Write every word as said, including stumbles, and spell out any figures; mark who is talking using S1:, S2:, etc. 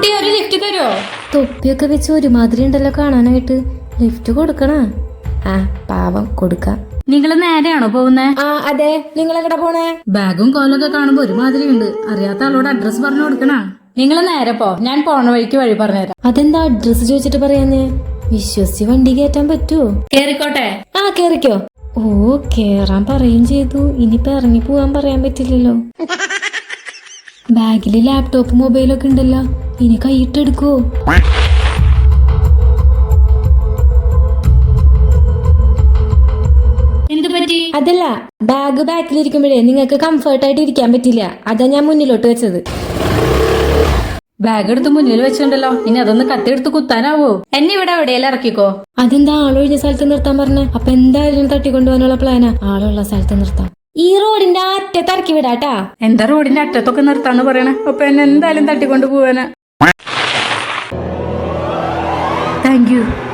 S1: കുട്ടി ഒരു ലിഫ്റ്റ് തരുമോ?
S2: തൊപ്പിയൊക്കെ വെച്ച് ഒരുമാതിരി ഉണ്ടല്ലോ കാണാനായിട്ട്. ലിഫ്റ്റ് കൊടുക്കണ? ആ പാവം കൊടുക്കാം.
S1: നിങ്ങള് നേരെയാണോ പോകുന്നേ?
S2: ആ അതെ. നിങ്ങൾ എവിടെ പോണേ?
S1: ബാഗും കോലൊക്കെ കാണുമ്പോ ഒരുമാതിരി ഉണ്ട്. അറിയാത്ത ആളോട് അഡ്രസ് പറഞ്ഞു കൊടുക്കണ. നിങ്ങള് നേരെ പോ, ഞാൻ പോണ വഴിക്ക് വഴി പറഞ്ഞുതരാം.
S2: അതെന്താ അഡ്രസ് ചോദിച്ചിട്ട് പറയാഞ്ഞേ? വിശ്വസിച്ച് വണ്ടി കയറ്റാൻ പറ്റുമോ?
S1: കേറിക്കോട്ടെ.
S2: ആ കേറിക്കോ. ഓ കേറാൻ പറയും ചെയ്തു. ഇനിയിപ്പൊ ഇറങ്ങി പോവാൻ പറയാൻ പറ്റില്ലല്ലോ. ബാഗില് ലാപ്ടോപ്പ് മൊബൈലൊക്കെ ഉണ്ടല്ലോ. ഇനി കൈയിട്ടെടുക്കോ?
S1: എന്ത് പറ്റി?
S2: അതല്ല, ബാഗ് ബാക്കിലിരിക്കുമ്പോഴേ നിങ്ങൾക്ക് കംഫർട്ട് ആയിട്ട് ഇരിക്കാൻ പറ്റില്ല. അതാ ഞാൻ മുന്നിലോട്ട് വെച്ചത്.
S1: ബാഗ് എടുത്ത് മുന്നിൽ വെച്ചിട്ടുണ്ടല്ലോ, ഇനി അതൊന്ന് കത്തിയെടുത്ത് കുത്താനാവോ? എന്നെ ഇവിടെ എവിടെയെല്ലാം ഇറക്കിക്കോ.
S2: അതെന്താ ആളൊഴിഞ്ഞ സ്ഥലത്ത് നിർത്താൻ പറഞ്ഞേ? അപ്പൊ എന്തായാലും തട്ടിക്കൊണ്ടുപോകാനുള്ള പ്ലാനാ. ആളുള്ള സ്ഥലത്ത് നിർത്താം. ഈ റോഡിന്റെ അറ്റത്ത് ഇറക്കി വിടാട്ടാ.
S1: എന്താ റോഡിന്റെ അറ്റത്തൊക്കെ നിർത്താന്ന് പറയണേ? അപ്പൊ എന്നെ എന്തായാലും തട്ടിക്കൊണ്ടു പോവാനാ. Thank U.